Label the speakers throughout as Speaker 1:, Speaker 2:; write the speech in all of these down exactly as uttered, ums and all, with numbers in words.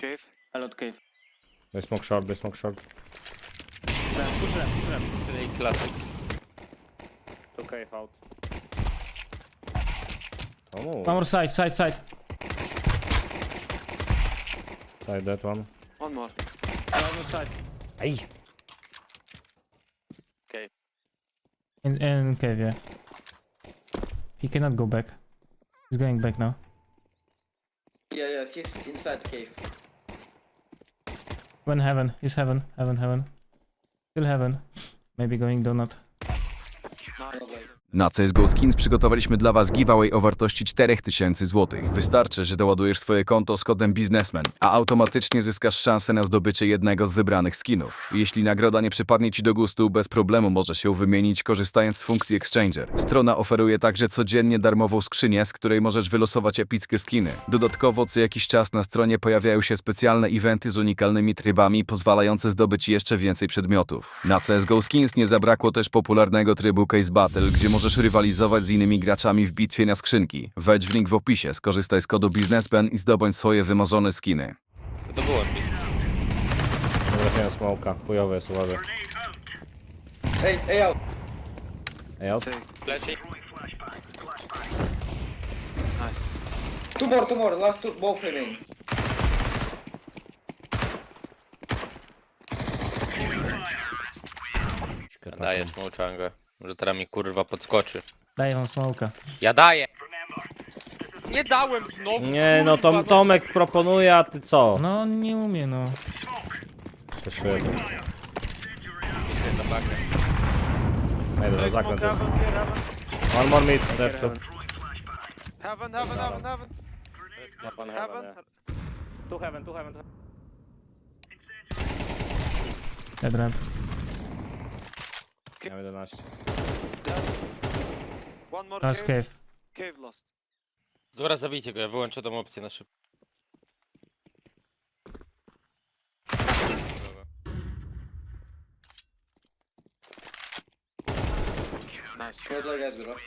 Speaker 1: Cave.
Speaker 2: A lot cave.
Speaker 3: They smoke short, they smoke short.
Speaker 2: Left, push left, push left.
Speaker 4: Play classic.
Speaker 3: Two cave out. Oh,
Speaker 5: One more side, side, side.
Speaker 3: side that one.
Speaker 1: One more.
Speaker 2: One more side.
Speaker 3: Ay!
Speaker 4: Okay.
Speaker 5: In, in cave, yeah. He cannot go back. He's going back now.
Speaker 6: Yeah, yeah, he's inside cave.
Speaker 5: One heaven. He's heaven. Heaven, heaven. Still heaven. Maybe going donut.
Speaker 7: Na C S G O Skins przygotowaliśmy dla Was giveaway o wartości cztery tysiące złotych. Wystarczy, że doładujesz swoje konto z kodem biznesmen, a automatycznie zyskasz szansę na zdobycie jednego z wybranych skinów. Jeśli nagroda nie przypadnie Ci do gustu, bez problemu możesz ją wymienić korzystając z funkcji Exchanger. Strona oferuje także codziennie darmową skrzynię, z której możesz wylosować epickie skiny. Dodatkowo co jakiś czas na stronie pojawiają się specjalne eventy z unikalnymi trybami, pozwalające zdobyć jeszcze więcej przedmiotów. Na C S G O Skins nie zabrakło też popularnego trybu Case Battle, gdzie możesz rywalizować z innymi graczami w bitwie na skrzynki. Wejdź w link w opisie, skorzystaj z kodu biznesmen i zdobądź swoje wymarzone skiny.
Speaker 4: To to było mi.
Speaker 3: Nie trafiłem smoka. Chujowy jest, uważaj.
Speaker 6: Hey, hey out.
Speaker 3: Ej, out.
Speaker 1: Say.
Speaker 4: Fleshy.
Speaker 1: Nice.
Speaker 6: Two more, two more. Last two, both remain.
Speaker 4: Daję smołczangę. Może teraz mi kurwa podskoczy.
Speaker 5: Daję wam smoka.
Speaker 4: Ja daję! Nie dałem znowu!
Speaker 3: Nie, no
Speaker 4: kurwa,
Speaker 3: Tom, Tomek proponuje, a ty co?
Speaker 5: No on nie umie, no.
Speaker 3: Przeszuję to.
Speaker 4: Idę za bakę.
Speaker 3: Ej, dobra,
Speaker 1: Play
Speaker 3: zakręt
Speaker 1: smoke
Speaker 3: jest.
Speaker 1: heaven, clear heaven.
Speaker 3: One more mid, dead two.
Speaker 1: Heaven, heaven, heaven, heaven.
Speaker 3: One
Speaker 1: Heaven.
Speaker 3: heaven. Two heaven, two heaven.
Speaker 5: Dead ramp.
Speaker 3: Miałem jedenaście.
Speaker 1: Dead. One more
Speaker 5: Last
Speaker 1: cave.
Speaker 5: cave.
Speaker 1: Cave lost.
Speaker 4: Dobra, zabijcie go, ja wyłączę tą opcję na szybko.
Speaker 1: Nice.
Speaker 6: Good like that, bro.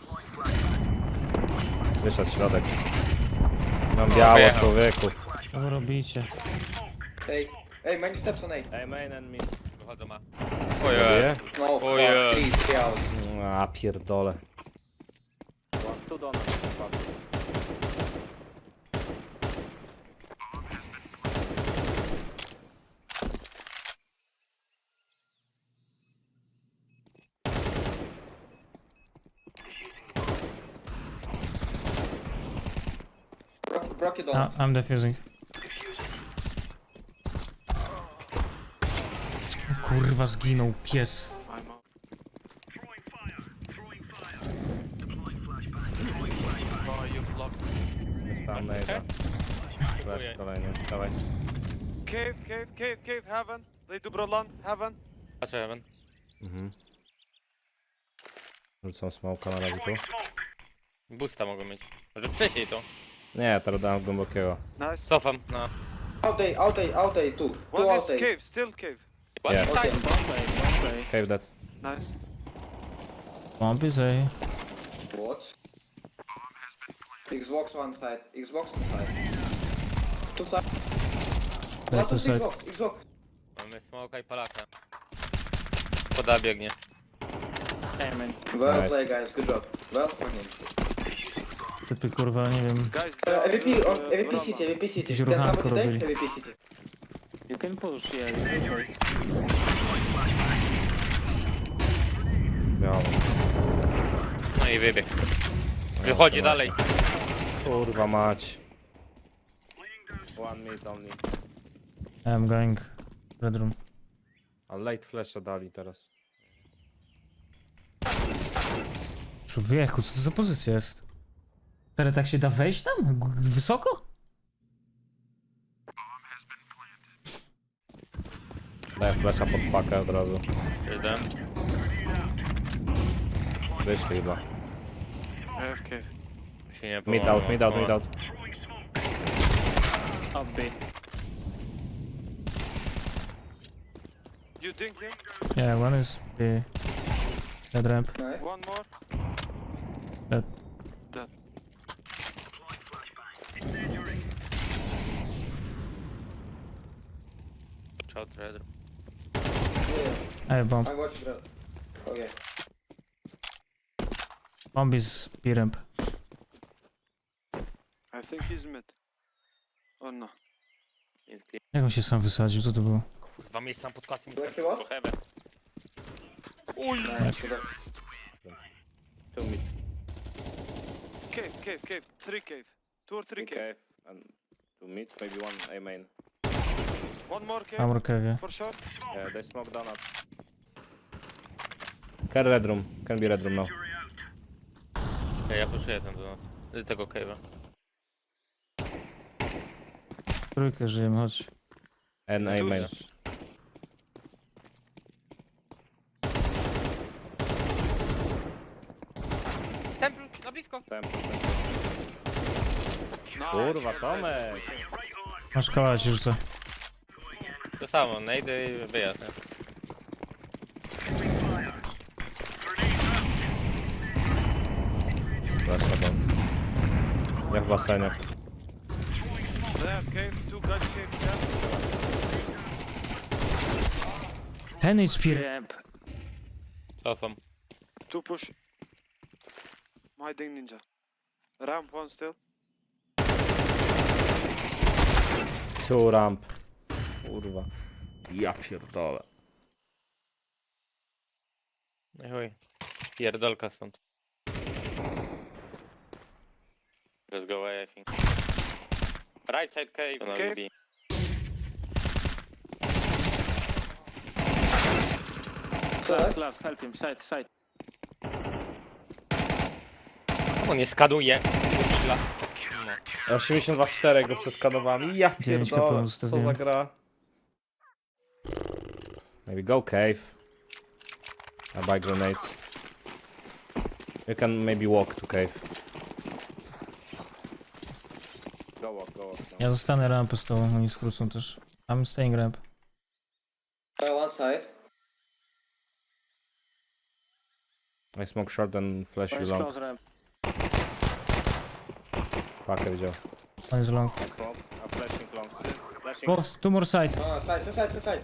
Speaker 3: Wyszedł środek. Mam biało,
Speaker 4: Wyjechał.
Speaker 3: człowieku.
Speaker 5: Co wy robicie?
Speaker 6: Hey, hey, many steps on A.
Speaker 3: Ej, main and mid.
Speaker 4: Wychodzę ma.
Speaker 3: Zabiję?
Speaker 4: Oje.
Speaker 6: No, fuck,
Speaker 4: yeah.
Speaker 6: please, stay out.
Speaker 3: A, pierdole. Tu do nas.
Speaker 6: Broke, broke it all.
Speaker 5: Ah, I'm defusing. Kurwa zginął pies.
Speaker 1: I'm out. Oh, you blocked.
Speaker 3: Jest tam nejda. Flash kolejny, dawaj.
Speaker 1: Cave, cave, cave, cave, heaven. They do Brolan, heaven.
Speaker 4: Patrzę, Evan.
Speaker 3: Mhm. Rzucam smoka na razie tu.
Speaker 4: Boosta mogą mieć. Może wcześniej to.
Speaker 3: Nie, teraz dałem głębokiego.
Speaker 1: Nice.
Speaker 4: Cofam na...
Speaker 6: Out A, out A, out A, two. Two
Speaker 1: One
Speaker 6: out
Speaker 1: is
Speaker 6: A.
Speaker 1: cave, still cave.
Speaker 3: Yeah.
Speaker 6: Okay.
Speaker 2: Bombay, bombay.
Speaker 3: Cave dead.
Speaker 1: Nice.
Speaker 5: Bomb is A.
Speaker 6: What? Xbox one side, Xbox one side. Two side.
Speaker 5: Dead
Speaker 6: Last
Speaker 5: to
Speaker 6: is
Speaker 5: side.
Speaker 6: Xbox, Xbox.
Speaker 4: Mamy smoka i palaka. Poda biegnie.
Speaker 2: Hey man.
Speaker 6: Well
Speaker 3: Nice.
Speaker 6: played, guys. Good job. Well played.
Speaker 5: Typy kurwa, nie wiem.
Speaker 1: Guys,
Speaker 6: Uh,
Speaker 1: they
Speaker 6: M V P,
Speaker 1: do,
Speaker 6: on
Speaker 1: uh,
Speaker 6: M V P
Speaker 1: Brolan.
Speaker 6: City, M V P City.
Speaker 5: Jakieś
Speaker 6: Can
Speaker 5: ruchanko
Speaker 6: somebody take
Speaker 5: robili.
Speaker 6: M V P City?
Speaker 2: You can push, yeah, you can push.
Speaker 3: Biało.
Speaker 4: No i wybieg. Wychodzi dalej.
Speaker 3: Kurwa mać. One mid only.
Speaker 5: I'm going bedroom.
Speaker 3: A late flasha dali teraz.
Speaker 5: Człowieku, co to za pozycja jest? Teraz tak się da wejść tam? G- Wysoko?
Speaker 3: Daję flasha pod pakę od razu.
Speaker 4: Jeden.
Speaker 3: Wyszli chyba.
Speaker 1: I have cave.
Speaker 4: Się nie
Speaker 3: Mid out, mid out, mid out.
Speaker 2: Up B.
Speaker 1: You think him?
Speaker 5: Yeah, one is B. Dead ramp.
Speaker 6: Nice.
Speaker 1: One more.
Speaker 5: Dead.
Speaker 1: Dead.
Speaker 4: out red.
Speaker 6: Yeah,
Speaker 5: Ej, bomb.
Speaker 6: I watch bro. Okay.
Speaker 5: Bomb is B-ramp.
Speaker 1: I think he's mid. Oh no.
Speaker 4: Jest clear.
Speaker 5: Jak on się sam wysadził? Co to było?
Speaker 4: Kurwa, miejsce pod kłacem.
Speaker 6: Where he was? Nice, good luck.
Speaker 3: Two mid.
Speaker 1: Cave, cave, cave. Three cave. Two or three cave.
Speaker 3: Okay. And two mid, maybe one A main.
Speaker 1: One more cave.
Speaker 5: Amor Kevie.
Speaker 1: For sure.
Speaker 3: Yeah, they smoke down up. Can red room. Can be red room now.
Speaker 4: Ja, ja puszuję ten donut. Z tego cave'a.
Speaker 5: Trójkę żyjemy, chodź.
Speaker 3: And A main.
Speaker 4: Temple, na blisko.
Speaker 3: Temple,
Speaker 1: Nice.
Speaker 3: Kurwa, Tomek!
Speaker 5: Masz koła ci rzucę.
Speaker 4: To samo, najdę i wyjazd. nie?
Speaker 3: Flasha down. Ja w basenie.
Speaker 1: They have cave. Two guys cave. Yeah.
Speaker 5: Ten is B-ramp.
Speaker 4: Cofam.
Speaker 1: Two push. My ding ninja. Ramp one still.
Speaker 3: Two ramp. Kurwa. Ja pierdolę.
Speaker 4: No i chuj. Pierdolka stąd. Let's go away, I think. Right side cave. No,
Speaker 1: Cave.
Speaker 4: B.
Speaker 2: Last, last, help him. Side, side.
Speaker 4: On nie skaduje.
Speaker 3: osiemdziesiąt dwa cztery go przeskanowałem. Ja
Speaker 5: dziewięć
Speaker 3: pierdolę.
Speaker 5: kapelów
Speaker 3: Co
Speaker 5: zostawiłem.
Speaker 3: za gra? Maybe go cave. I buy grenades. You can maybe walk to cave. Go walk, go walk. No.
Speaker 5: Ja zostanę rampę z tobą, oni skrócą też. I'm staying ramp.
Speaker 6: Uh, one side.
Speaker 3: I smoke short and flash
Speaker 2: One
Speaker 3: you
Speaker 2: is
Speaker 3: long.
Speaker 2: close ramp.
Speaker 3: Pakę widział.
Speaker 5: On is long.
Speaker 3: I smoke. I'm flashing long. Flashing
Speaker 5: Both, two more side.
Speaker 6: No, side, side, side, side.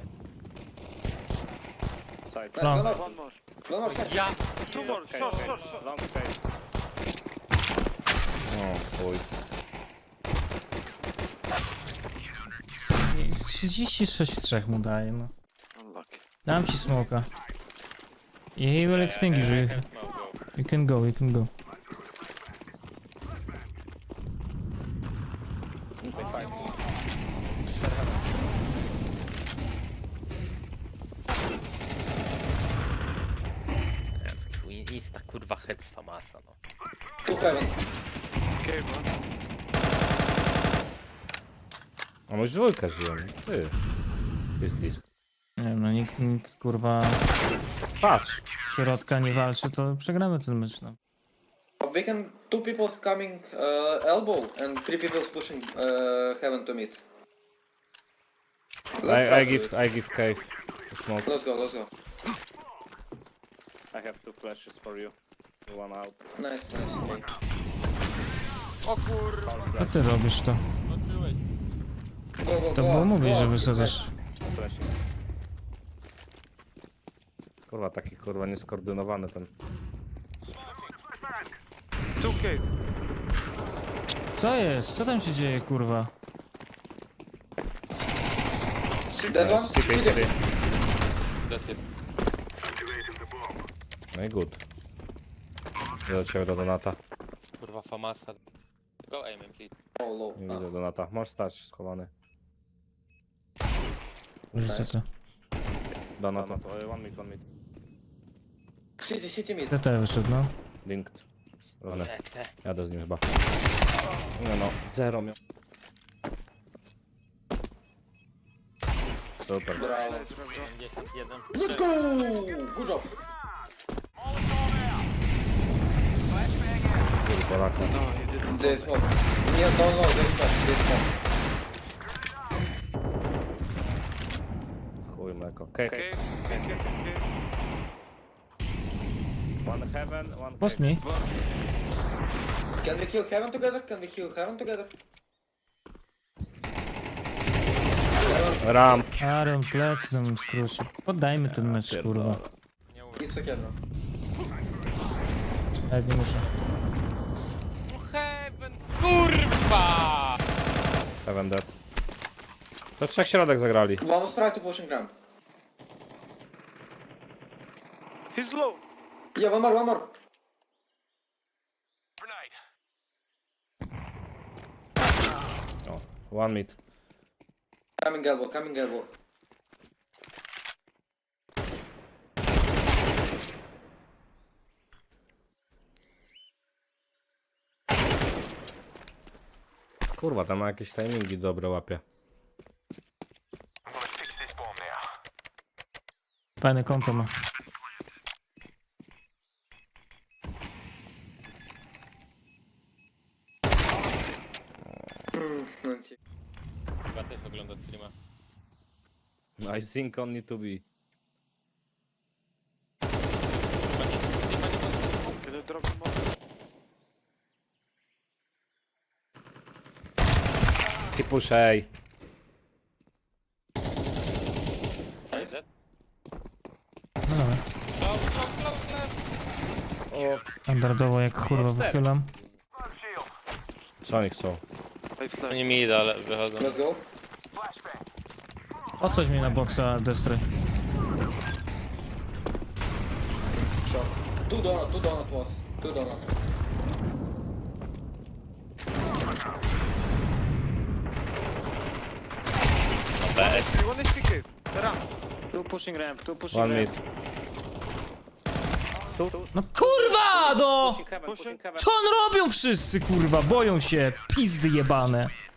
Speaker 3: side.
Speaker 6: Nice,
Speaker 5: Long.
Speaker 6: one more.
Speaker 1: One more.
Speaker 6: One more side.
Speaker 4: Ja!
Speaker 1: Two more.
Speaker 3: Okay,
Speaker 1: Short,
Speaker 3: okay.
Speaker 1: short, short.
Speaker 3: Long cave. O chuj.
Speaker 5: trzydzieści sześć w trzech mu daje, no.
Speaker 1: Unlucky.
Speaker 5: Dam ci smoka. I he will extinguish you. You can go, you can go.
Speaker 4: Insta kurwa head z Famasa, no.
Speaker 6: Two heaven.
Speaker 1: Cave one.
Speaker 3: A może dwójka żyją? Ty. Jest list.
Speaker 5: Nie wiem, no nikt, nikt kurwa
Speaker 3: Patrz.
Speaker 5: środka nie walczy, to przegramy ten mecz, no.
Speaker 6: We can two people coming uh, elbow and three people pushing uh, heaven to mid. Let's
Speaker 3: I,
Speaker 6: try
Speaker 3: I
Speaker 6: to
Speaker 3: give
Speaker 6: do it.
Speaker 3: I give cave to smoke.
Speaker 6: Let's go, let's go.
Speaker 3: I have two flashes for you. One out.
Speaker 6: Nice, nice. Okay.
Speaker 1: O kurwa.
Speaker 5: Co ty robisz to?
Speaker 6: Go, go,
Speaker 5: To
Speaker 6: go.
Speaker 5: było mówić,
Speaker 6: go.
Speaker 5: że wysadzasz.
Speaker 3: Flashing. Kurwa, taki kurwa nieskoordynowany ten.
Speaker 1: Two cave.
Speaker 5: Co jest? Co tam się dzieje, kurwa?
Speaker 6: Dead one?
Speaker 3: C K
Speaker 6: Two
Speaker 3: three.
Speaker 4: That's it.
Speaker 3: No i good. Doleciał do Donata.
Speaker 4: Kurwa Famasa. Go aim and please.
Speaker 6: Oh, low.
Speaker 3: Nie
Speaker 6: Ah.
Speaker 3: widzę Donata. Możesz stać schowany.
Speaker 5: Widzicie to?
Speaker 3: Donat, no to one mid, one mid.
Speaker 6: City, city mid.
Speaker 5: T T wyszedł, no.
Speaker 3: Linked. Rany.
Speaker 4: Te, te.
Speaker 3: Jadę z nim chyba. Nie no, zero miał. Super.
Speaker 6: Brawo.
Speaker 4: pięćdziesiąt jeden.
Speaker 6: Let's go! Good job.
Speaker 3: Kurwa, raka.
Speaker 1: No, he didn't.
Speaker 6: They smoke. Yeah, no, no, they smoke. They smoke.
Speaker 3: Chuj mleko. Okay.
Speaker 1: Cave, cave, cave, cave.
Speaker 3: One heaven, one
Speaker 5: Post
Speaker 3: cave.
Speaker 5: me.
Speaker 6: Can we kill heaven together? Can we kill heaven together? Heaven
Speaker 3: Ramp.
Speaker 5: Aaron, plec nam skróci. Poddajmy ten mecz, kurwa.
Speaker 6: It's okay, bro.
Speaker 5: Tak, nie muszę.
Speaker 4: Heaven, kurwa!
Speaker 3: Heaven dead. To trzech środek zagrali.
Speaker 6: One was try to pushing ramp.
Speaker 1: He's low.
Speaker 6: Yeah, one more, one more.
Speaker 3: O, one mid.
Speaker 6: Coming elbow, coming elbow.
Speaker 3: Kurwa, tam ma jakieś timingi dobre łapie.
Speaker 5: Fajne konto ma.
Speaker 6: No, ci-
Speaker 4: Chyba też ogląda streama.
Speaker 3: I think only to be.
Speaker 1: Can you drop him off?
Speaker 3: He push A.
Speaker 4: Is that?
Speaker 5: No dobra.
Speaker 4: Close, close, close, left.
Speaker 5: Standardowo jak kurwa wychylam.
Speaker 3: Co oni chcą?
Speaker 1: I flash.
Speaker 4: Oni mi idą, ale wychodzą.
Speaker 6: Let's go.
Speaker 5: Odsadź mnie na boksa, Destry.
Speaker 6: Shot. Two donut, two donut was. Two donut.
Speaker 1: You want H P cave? Ramp.
Speaker 2: Two pushing ramp, two pushing
Speaker 3: One
Speaker 2: ramp.
Speaker 3: mid.
Speaker 5: No kurwa, no!
Speaker 2: Pushing heaven,
Speaker 1: Pushing.
Speaker 2: pushing heaven.
Speaker 5: Co on robią wszyscy, kurwa? Boją się, pizdy jebane.